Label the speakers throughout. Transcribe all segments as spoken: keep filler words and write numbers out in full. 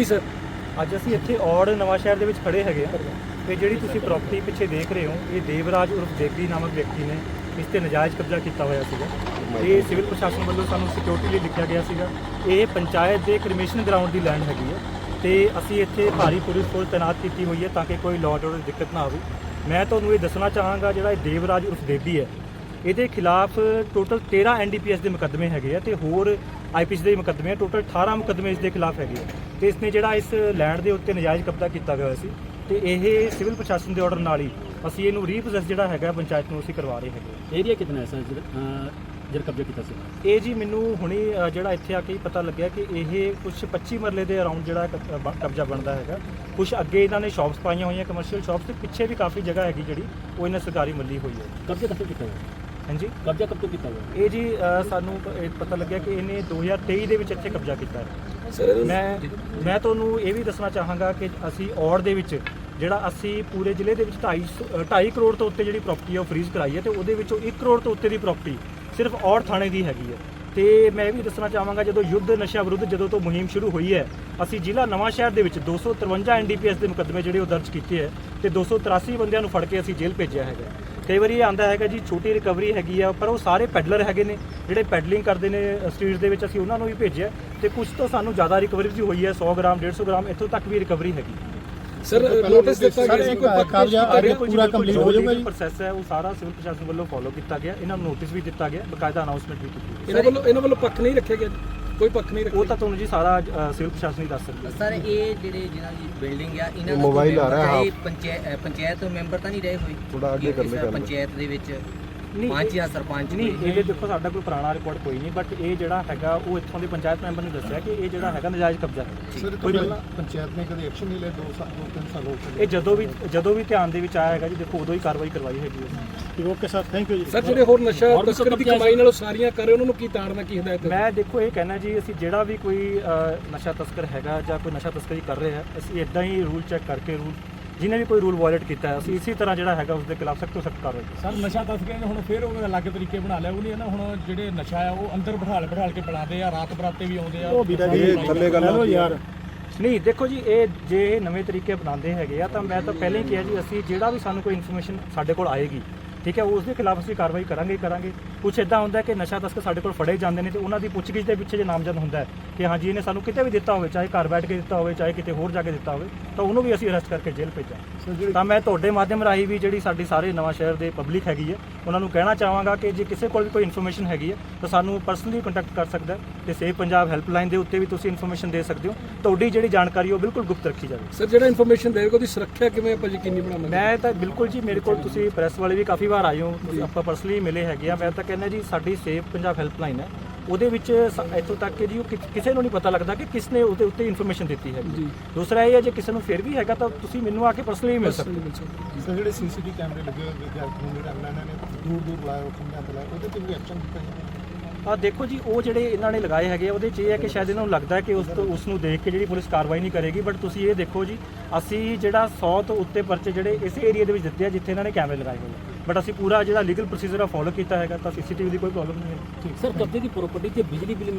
Speaker 1: ਜੀ ਸਰ
Speaker 2: ਅੱਜ ਅਸੀਂ ਇੱਥੇ ਔੜ ਨਵਾਂ ਸ਼ਹਿਰ ਦੇ ਵਿੱਚ ਖੜੇ ਹੈਗੇ ਆ ਤੇ ਜਿਹੜੀ ਤੁਸੀਂ ਪ੍ਰਾਪਰਟੀ ਪਿੱਛੇ ਦੇਖ ਰਹੇ ਹੋ ਇਹ ਦੇਵਰਾਜ ਉਰਫ ਦੇਵੀ ਨਾਮਕ ਵਿਅਕਤੀ ਨੇ ਇਸ ਤੇ ਨਜਾਇਜ਼ ਕਬਜ਼ਾ ਕੀਤਾ ਹੋਇਆ ਸੀਗਾ। ਇਹ ਸਿਵਲ ਪ੍ਰਸ਼ਾਸਨ ਵੱਲੋਂ ਸਾਨੂੰ ਸਿਕਿਉਰਿਟੀ ਲਈ ਲਿਖਿਆ ਗਿਆ ਸੀਗਾ। ਇਹ ਪੰਚਾਇਤ ਦੇ ਕ੍ਰਿਮੀਨਲ ਗਰਾਊਂਡ ਦੀ ਲੈਂਡ ਹੈਗੀ ਹੈ ਤੇ ਅਸੀਂ ਇੱਥੇ ਭਾਰੀ ਪੁਲਿਸ ਫੋਰਸ ਤੈਨਾਤ ਕੀਤੀ ਹੋਈ ਹੈ ਤਾਂ ਕਿ ਕੋਈ ਲਾਅ ਆਰਡਰ ਦੀ ਦਿੱਕਤ ਨਾ ਆਵੇ। ਮੈਂ ਤੁਹਾਨੂੰ ਇਹ ਦੱਸਣਾ ਚਾਹਾਂਗਾ ਜਿਹੜਾ ਇਹ ਦੇਵਰਾਜ ਉਰਫ ਦੇਵੀ ਹੈ ਇਹਦੇ ਖਿਲਾਫ ਟੋਟਲ ਤੇਰਾਂ ਐਨ ਡੀ ਪੀ ਐਸ ਦੇ ਮੁਕੱਦਮੇ ਹੈਗੇ ਆ ਤੇ ਹੋਰ ਆਈ ਪੀ ਸੀ ਦੇ ਮੁਕੱਦਮੇ ਟੋਟਲ ਅਠਾਰਾਂ ਮੁਕੱਦਮੇ ਇਸ ਦੇ ਖਿਲਾਫ ਹੈਗੇ ਆ ਤੇ ਇਸਨੇ ਜਿਹੜਾ ਇਸ ਲੈਂਡ ਦੇ ਉੱਤੇ ਨਜਾਇਜ਼ ਕਬਜ਼ਾ ਕੀਤਾ ਹੋਇਆ ਸੀ ਤੇ ਇਹ ਸਿਵਲ ਪ੍ਰਸ਼ਾਸਨ ਦੇ ਆਰਡਰ ਨਾਲ ਹੀ ਅਸੀਂ ਇਹਨੂੰ ਰੀਪੋਸੈਸ ਜਿਹੜਾ ਹੈਗਾ ਪੰਚਾਇਤ ਨੂੰ ਅਸੀਂ ਕਰਵਾ ਰਹੇ ਹੈਗੇ।
Speaker 1: ਏਰੀਆ ਕਿੰਨਾ ਹੈ ਸਰ ਜਿਹੜਾ ਕਬਜ਼ਾ ਕੀਤਾ ਸੀ?
Speaker 2: ਇਹ ਜੀ ਮੈਨੂੰ ਹੁਣੇ ਜਿਹੜਾ ਇੱਥੇ ਆ ਕੇ ਪਤਾ ਲੱਗਿਆ ਕਿ ਇਹ ਕੁਛ ਪੱਚੀ ਮਰਲੇ ਦੇ ਅਰਾਊਂਡ ਜਿਹੜਾ ਕਬਜ਼ਾ ਬਣਦਾ ਹੈਗਾ। ਕੁਛ ਅੱਗੇ ਇਹਨਾਂ ਨੇ ਸ਼ਾਪਸ ਪਾਈਆਂ ਹੋਈਆਂ ਕਮਰਸ਼ੀਅਲ ਸ਼ਾਪਸ ਤੇ ਪਿੱਛੇ ਵੀ ਕਾਫੀ ਜਗ੍ਹਾ ਹੈਗੀ ਜਿਹੜੀ ਉਹ ਇਹਨਾਂ ਸਰਕਾਰੀ ਮੱਲੀ ਹੋਈ ਹੈ।
Speaker 1: ਕਬਜ਼ਾ ਕਦੋਂ ਕੀਤਾ ਹੋਇਆ?
Speaker 2: ਹਾਂਜੀ
Speaker 1: ਕਬਜ਼ਾ ਕਦੋਂ ਕੀਤਾ ਹੋਇਆ?
Speaker 2: ਇਹ ਜੀ ਸਾਨੂੰ ਇਹ ਪਤਾ ਲੱਗਿਆ ਕਿ ਇਹਨੇ ਦੋ ਹਜ਼ਾਰ ਤੇਈ ਦੇ ਵਿੱਚ ਇੱਥੇ ਕਬਜ਼ਾ ਕੀਤਾ ਹੈ। ਮੈਂ ਮੈਂ ਤੁਹਾਨੂੰ ਇਹ ਵੀ ਦੱਸਣਾ ਚਾਹਾਂਗਾ ਕਿ ਅਸੀਂ ਔੜ ਦੇ ਵਿੱਚ ਜਿਹੜਾ ਅਸੀਂ ਪੂਰੇ ਜ਼ਿਲ੍ਹੇ ਦੇ ਵਿੱਚ ਢਾਈ ਢਾਈ ਕਰੋੜ ਤੋਂ ਉੱਤੇ ਜਿਹੜੀ ਪ੍ਰਾਪਰਟੀ ਹੈ ਉਹ ਫਰੀਜ਼ ਕਰਾਈ ਹੈ ਤੇ ਉਹਦੇ ਵਿੱਚੋਂ ਇੱਕ ਕਰੋੜ ਤੋਂ ਉੱਤੇ ਦੀ ਪ੍ਰਾਪਰਟੀ ਸਿਰਫ ਔੜ ਥਾਣੇ ਦੀ ਹੈਗੀ ਹੈ। ਤੇ ਮੈਂ ਇਹ ਵੀ ਦੱਸਣਾ ਚਾਹਾਂਗਾ ਜਦੋਂ ਯੁੱਧ ਨਸ਼ਾ ਵਿਰੁੱਧ ਜਦੋਂ ਤੋਂ ਮੁਹਿੰਮ ਸ਼ੁਰੂ ਹੋਈ ਹੈ ਅਸੀਂ ਜ਼ਿਲ੍ਹਾ ਨਵਾਂ ਸ਼ਹਿਰ ਦੇ ਵਿੱਚ ਦੋ ਸੌ ਤਰਵੰਜਾ ਐਨ ਡੀ ਪੀ ਐਸ ਦੇ ਮੁਕੱਦਮੇ ਜਿਹੜੇ ਉਹ ਦਰਜ ਕੀਤੇ ਹੈ ਤੇ ਦੋ ਸੌ ਤਰਾਸੀ ਬੰਦਿਆਂ ਨੂੰ ਫੜ ਕੇ ਅਸੀਂ ਜੇਲ੍ਹ ਭੇਜਿਆ ਹੈਗਾ। ਕਈ ਵਾਰੀ ਇਹ ਆਂਦਾ ਹੈਗਾ ਜੀ ਛੋਟੀ ਰਿਕਵਰੀ ਹੈਗੀ ਆ ਪਰ ਉਹ ਸਾਰੇ ਪੈਡਲਰ ਹੈਗੇ ਨੇ ਜਿਹੜੇ ਪੈਡਲਿੰਗ ਕਰਦੇ ਨੇ ਸਟਰੀਟ ਦੇ ਵਿੱਚ ਅਸੀਂ ਉਹਨਾਂ ਨੂੰ ਵੀ ਭੇਜਿਆ ਤੇ ਕੁਝ ਤੋਂ ਸਾਨੂੰ ਜ਼ਿਆਦਾ ਰਿਕਵਰੀ ਵੀ ਹੋਈ ਹੈ ਸੌ ਗ੍ਰਾਮ ਡੇਢ ਸੌ ਗ੍ਰਾਮ ਇੱਥੋਂ ਤੱਕ ਵੀ ਰਿਕਵਰੀ ਹੈਗੀ।
Speaker 3: ਸਰ ਨੋਟਿਸ ਦਿੱਤਾ ਗਿਆ ਸੀ ਕੋਈ ਕਬਜ਼ਾ ਪੂਰਾ ਕੰਪਲੀਟ ਹੋ ਜਾਊਗਾ ਜੀ?
Speaker 2: ਪ੍ਰੋਸੈਸ ਹੈ ਉਹ ਸਾਰਾ ਸਿਵਲ ਪ੍ਰਸ਼ਾਸਨ ਵੱਲੋਂ ਫੋਲੋ ਕੀਤਾ ਗਿਆ। ਇਹਨਾਂ ਨੂੰ ਨੋਟਿਸ ਵੀ ਦਿੱਤਾ ਗਿਆ ਬਕਾਇਦਾ ਅਨਾਉਂਸਮੈਂਟ ਵੀ ਕੀਤੀ ਗਈ।
Speaker 3: ਇਹਨਾਂ ਵੱਲੋਂ ਇਹਨਾਂ ਵੱਲੋਂ ਪੱਖ ਨਹੀਂ ਰੱਖਿਆ ਗਿਆ ਕੋਈ ਪੱਖ ਨਹੀਂ ਰੱਖਿਆ?
Speaker 2: ਉਹ ਤਾਂ ਤੁਹਾਨੂੰ ਜੀ ਸਾਰਾ ਸਿਵਲ ਪ੍ਰਸ਼ਾਸਨ ਹੀ ਦੱਸ ਸਕਦਾ।
Speaker 4: ਸਰ ਇਹ ਜਿਹੜੇ ਜਿਹਨਾਂ ਦੀ ਬਿਲਡਿੰਗ ਆ ਇਹਨਾਂ ਦਾ ਮੋਬਾਈਲ ਆ ਰਿਹਾ ਪੰਚਾਇਤ ਪੰਚਾਇਤ ਮੈਂਬਰ ਤਾਂ ਨਹੀਂ ਰਹੇ ਹੋਏ
Speaker 3: ਥੋੜਾ ਅੱਗੇ ਕਰ ਲੈ
Speaker 4: ਪੰਚਾਇਤ ਦੇ ਵਿੱਚ
Speaker 2: ਨਹੀਂ
Speaker 4: ਪੰਜ ਜਾਂ ਸਰਪੰਚ
Speaker 2: ਨਹੀਂ ਇਹ ਦੇਖੋ ਸਾਡਾ ਕੋਈ ਪੁਰਾਣਾ ਰਿਕਾਰਡ ਕੋਈ ਨਹੀਂ ਬਟ ਇਹ ਜਿਹੜਾ ਹੈਗਾ ਉਹ ਇੱਥੋਂ ਦੇ ਪੰਚਾਇਤ ਮੈਂਬਰ ਨੇ ਦੱਸਿਆ ਕਿ ਇਹ ਜਿਹੜਾ ਹੈਗਾ ਨਜਾਇਜ਼ ਕਬਜ਼ਾ ਹੈ।
Speaker 3: ਕੋਈ ਪੰਚਾਇਤ ਨੇ ਕਦੇ ਐਕਸ਼ਨ ਨਹੀਂ ਲਿਆ ਦੋ ਸਾਲ ਦੋ ਤਿੰਨ ਸਾਲ ਹੋ ਗਏ।
Speaker 2: ਇਹ ਜਦੋਂ ਵੀ ਜਦੋਂ ਵੀ ਧਿਆਨ ਦੇ ਵਿੱਚ ਆਇਆ ਹੈਗਾ ਜੀ ਦੇਖੋ ਉਦੋਂ ਹੀ ਕਾਰਵਾਈ ਕਰਵਾਈ ਹੈਗੀ ਹੈ।
Speaker 3: ਓਕੇ ਸਰ ਥੈਂਕ ਯੂ ਜੀ। ਸਰ ਜਿਹੜੇ ਹੋਰ ਨਸ਼ਾ ਤਸਕਰੀ ਦੀ ਕਮਾਈ ਨਾਲੋਂ ਸਾਰੀਆਂ ਕਰ ਰਹੇ ਉਹਨਾਂ ਨੂੰ ਕੀ ਤਾੜਨਾ ਕੀ ਹਦਾਇਤ?
Speaker 2: ਮੈਂ ਦੇਖੋ ਇਹ ਕਹਿਣਾ ਜੀ ਅਸੀਂ ਜਿਹੜਾ ਵੀ ਕੋਈ ਨਸ਼ਾ ਤਸਕਰ ਹੈਗਾ ਜਾਂ ਕੋਈ ਨਸ਼ਾ ਤਸਕਰੀ ਕਰ ਰਿਹਾ ਹੈ ਅਸੀਂ ਇਦਾਂ ਹੀ ਰੂਲ ਚੈੱਕ ਕਰਕੇ ਰੂਲ ਜਿਹਨੇ ਵੀ ਕੋਈ ਰੂਲ ਵਾਇਲੇਟ ਕੀਤਾ ਹੈ ਅਸੀਂ ਇਸੇ ਤਰ੍ਹਾਂ ਜਿਹੜਾ ਹੈਗਾ ਉਸ ਦੇ ਖਿਲਾਫ ਸਖਤ ਤੋਂ ਸਖਤ ਕਾਰਵਾਈ ਕਰਾਂਗੇ।
Speaker 5: ਸਰ ਨਸ਼ਾ ਤਸਕਰਾਂ ਨੇ ਹੁਣ ਫਿਰ ਉਹ ਅਲੱਗ ਤਰੀਕੇ ਬਣਾ ਲਿਆ ਉਹ ਨਹੀਂ ਨਾ ਹੁਣ ਜਿਹੜੇ ਨਸ਼ਾ ਆ ਉਹ ਅੰਦਰ ਬਿਠਾਲ ਬਿਠਾਲ ਕੇ ਬਣਾਉਂਦੇ ਆ ਰਾਤ ਬਰਾਤੇ ਵੀ ਆਉਂਦੇ ਆ।
Speaker 3: ਉਹ ਵੀਰਾ ਜੀ ਥੱਲੇ ਗੱਲ ਯਾਰ
Speaker 2: ਨਹੀਂ ਦੇਖੋ ਜੀ ਇਹ ਜੇ ਇਹ ਨਵੇਂ ਤਰੀਕੇ ਬਣਾਉਂਦੇ ਹੈਗੇ ਆ ਤਾਂ ਮੈਂ ਤਾਂ ਪਹਿਲਾਂ ਹੀ ਕਿਹਾ ਜੀ ਅਸੀਂ ਜਿਹੜਾ ਵੀ ਸਾਨੂੰ ਕੋਈ ਇਨਫੋਰਮੇਸ਼ਨ ਸਾਡੇ ਕੋਲ ਆਏਗੀ ਠੀਕ ਹੈ ਉਸ ਦੇ ਖਿਲਾਫ ਅਸੀਂ ਕਾਰਵਾਈ ਕਰਾਂਗੇ ਕਰਾਂਗੇ। ਕੁਛ ਇੱਦਾਂ ਹੁੰਦਾ ਕਿ ਨਸ਼ਾ ਤਸਕਰ ਸਾਡੇ ਕੋਲ ਫੜੇ ਜਾਂਦੇ ਨੇ ਤੇ ਉਹਨਾਂ ਦੀ ਪੁੱਛਗਿੱਛ ਦੇ ਪਿੱਛੇ ਜੇ ਨਾਮਜ਼ਦ ਹੁੰਦਾ ਹੈ ਕਿ ਹਾਂਜੀ ਇਹਨੇ ਸਾਨੂੰ ਕਿਤੇ ਵੀ ਦਿੱਤਾ ਹੋਵੇ ਚਾਹੇ ਘਰ ਬੈਠ ਕੇ ਦਿੱਤਾ ਹੋਵੇ ਚਾਹੇ ਕਿਤੇ ਹੋਰ ਜਾ ਕੇ ਦਿੱਤਾ ਹੋਵੇ ਤਾਂ ਉਹਨੂੰ ਵੀ ਅਸੀਂ ਅਰੈਸਟ ਕਰਕੇ ਜੇਲ੍ਹ ਭੇਜਾਂ। ਤਾਂ ਮੈਂ ਤੁਹਾਡੇ ਮਾਧਿਅਮ ਰਾਹੀਂ ਵੀ ਜਿਹੜੀ ਸਾਡੀ ਸਾਰੇ ਨਵਾਂ ਸ਼ਹਿਰ ਦੇ ਪਬਲਿਕ ਹੈਗੀ ਹੈ ਉਹਨਾਂ ਨੂੰ ਕਹਿਣਾ ਚਾਹਾਂਗਾ ਕਿ ਜੇ ਕਿਸੇ ਕੋਲ ਵੀ ਕੋਈ ਇਨਫੋਰਮੇਸ਼ਨ ਹੈਗੀ ਹੈ ਤਾਂ ਸਾਨੂੰ ਪਰਸਨਲੀ ਕੰਟੈਕਟ ਕਰ ਸਕਦਾ ਤੇ ਸੇਵ ਪੰਜਾਬ ਹੈਲਪਲਾਈਨ ਦੇ ਉੱਤੇ ਵੀ ਤੁਸੀਂ ਇਨਫੋਰਮੇਸ਼ਨ ਦੇ ਸਕਦੇ ਹੋ। ਤੁਹਾਡੀ ਜਿਹੜੀ ਜਾਣਕਾਰੀ ਉਹ ਬਿਲਕੁਲ ਗੁਪਤ ਰੱਖੀ ਜਾਵੇ।
Speaker 3: ਸਰ ਜਿਹੜਾ ਇਨਫੋਰਮੇਸ਼ਨ ਦੇਵੇਗਾ ਉਹਦੀ ਸੁਰੱਖਿਆ ਕਿਵੇਂ ਆਪਾਂ ਯਕੀਨੀ ਬਣਾਵਾਂਗੇ?
Speaker 2: ਮੈਂ ਤਾਂ ਬਿਲਕੁਲ ਜੀ ਮੇਰੇ ਕੋਲ ਤੁਸੀਂ ਪ੍ਰੈਸ ਵਾਲੇ ਵੀ ਕਾਫੀ ਵਾਰ ਆਏ ਹੋ ਆਪਾਂ ਪਰਸਨਲੀ ਮਿਲੇ ਹੈਗੇ ਆ। ਮੈਂ ਤਾਂ ਕਹਿੰਦਾ ਜੀ ਸਾਡੀ ਸੇਵ ਪੰਜਾਬ ਹੈਲਪਲਾਈਨ ਹੈ ਉਹਦੇ ਵਿੱਚ ਇੱਥੋਂ ਤੱਕ ਕਿ ਜੀ ਉਹ ਕਿਸੇ ਨੂੰ ਨਹੀਂ ਪਤਾ ਲੱਗਦਾ ਕਿ ਕਿਸ ਨੇ ਉਹਦੇ ਉੱਤੇ ਇਨਫੋਰਮੇਸ਼ਨ ਦਿੱਤੀ ਹੈ। ਦੂਸਰਾ ਇਹ ਹੈ ਜੇ ਕਿਸੇ ਨੂੰ ਫਿਰ ਵੀ ਹੈਗਾ ਤਾਂ ਤੁਸੀਂ ਮੈਨੂੰ ਆ ਕੇ ਪਰਸਨਲੀ ਮਿਲ ਸਕਦੇ ਹੋ।
Speaker 3: ਸਰ ਜਿਹੜੇ ਸੀ ਸੀ ਟੀ ਕੈਮਰੇ ਲੱਗੇ ਹੋਏ ਵਿਦਿਆਰਥੀਆਂ ਨੂੰ ਜਿਹੜਾ ਇਹਨਾਂ ਨੇ ਦੂਰ ਦੂਰ ਲਾਇਆ ਉਹ ਖੰਭਿਆਂ ਤੇ ਲਾਇਆ ਉਹਦੇ ਤੇ ਵੀ ਐਕਸ਼ਨ ਕੀਤਾ ਜਾਵੇ?
Speaker 2: ਆ ਦੇਖੋ ਜੀ ਉਹ ਜਿਹੜੇ ਇਹਨਾਂ ਨੇ ਲਗਾਏ ਹੈਗੇ ਉਹਦੇ 'ਚ ਇਹ ਹੈ ਕਿ ਸ਼ਾਇਦ ਇਹਨਾਂ ਨੂੰ ਲੱਗਦਾ ਹੈ ਕਿ ਉਸ ਤੋਂ ਉਸ ਨੂੰ ਦੇਖ ਕੇ ਜਿਹੜੀ ਪੁਲਿਸ ਕਾਰਵਾਈ ਨਹੀਂ ਕਰੇਗੀ ਬਟ ਤੁਸੀਂ ਇਹ ਦੇਖੋ ਜੀ ਅਸੀਂ ਜਿਹੜਾ ਸੌ ਤੋਂ ਉੱਤੇ ਪਰਚੇ ਜਿਹੜੇ ਇਸ ਏਰੀਆ ਦੇ ਵਿੱਚ ਦਿੱਤੇ ਆ ਜਿੱਥੇ ਇਹਨਾਂ ਨੇ ਕੈਮਰੇ ਲਗਾਏ ਹੋਏ ਬਟ ਅਸੀਂ ਪੂਰਾ ਜਿਹੜਾ ਲੀਗਲ ਪ੍ਰੋਸੀਜਰ ਆ ਫੋਲੋ ਕੀਤਾ ਹੈਗਾ ਤਾਂ ਸੀਸੀਟੀਵੀ ਦੀ ਕੋਈ ਪ੍ਰੋਬਲਮ ਨਹੀਂ ਹੈ।
Speaker 1: ਸਰ ਕਬਜ਼ੇ ਦੀ ਪ੍ਰਾਪਰਟੀ ਤੇ ਬਿਜਲੀ ਬਿੱਲ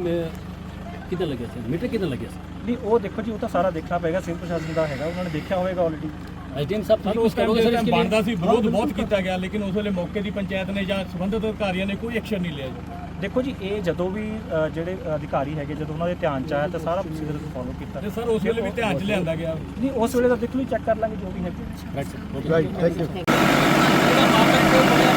Speaker 1: ਕਿੱਦਾਂ ਲੱਗਿਆ ਸੀ ਮੀਟਰ ਕਿੱਦਾਂ ਲੱਗਿਆ ਸੀ?
Speaker 2: ਨਹੀਂ ਉਹ ਦੇਖੋ ਜੀ ਉਹ ਤਾਂ ਸਾਰਾ ਦੇਖਣਾ ਪਏਗਾ ਸਿਵਲ ਪ੍ਰਸ਼ਾਸਨ ਦਾ ਹੈਗਾ ਉਹਨਾਂ ਨੇ ਦੇਖਿਆ ਹੋਵੇਗਾ ਆਲਰੇਡੀ।
Speaker 1: ਐਸਡੀਐਮ ਸਾਹਿਬ
Speaker 5: ਸਾਨੂੰ ਉਸ ਟਾਈਮ ਜਦੋਂ ਬਣਦਾ ਸੀ ਵਿਰੋਧ ਬਹੁਤ ਕੀਤਾ ਗਿਆ ਲੇਕਿਨ ਉਸ ਵੇਲੇ ਮੌਕੇ ਦੀ ਪੰਚਾਇਤ ਨੇ ਜਾਂ ਸੰਬੰਧਿਤ ਅਧਿਕਾਰੀਆਂ ਨੇ ਕੋਈ ਐਕਸ਼ਨ ਨਹੀਂ ਲਿਆ ਜੀ।
Speaker 2: ਦੇਖੋ ਜੀ ਇਹ ਜਦੋਂ ਵੀ ਜਿਹੜੇ ਅਧਿਕਾਰੀ ਹੈਗੇ ਜਦੋਂ ਉਹਨਾਂ ਦੇ ਧਿਆਨ 'ਚ ਆਇਆ ਤਾਂ ਸਾਰਾ ਪ੍ਰੋਸੀਜਰ ਫੋਲੋ ਕੀਤਾ
Speaker 5: ਤੇ ਸਰ ਉਸ ਵੇਲੇ ਵੀ ਧਿਆਨ 'ਚ ਲਿਆਂਦਾ ਗਿਆ?
Speaker 2: ਨਹੀਂ ਉਸ ਵੇਲੇ ਤਾਂ ਦੇਖ ਲਓ ਚੈੱਕ ਕਰ ਲਾਂਗੇ ਜੋ ਵੀ ਹੈ।
Speaker 3: Right thank you.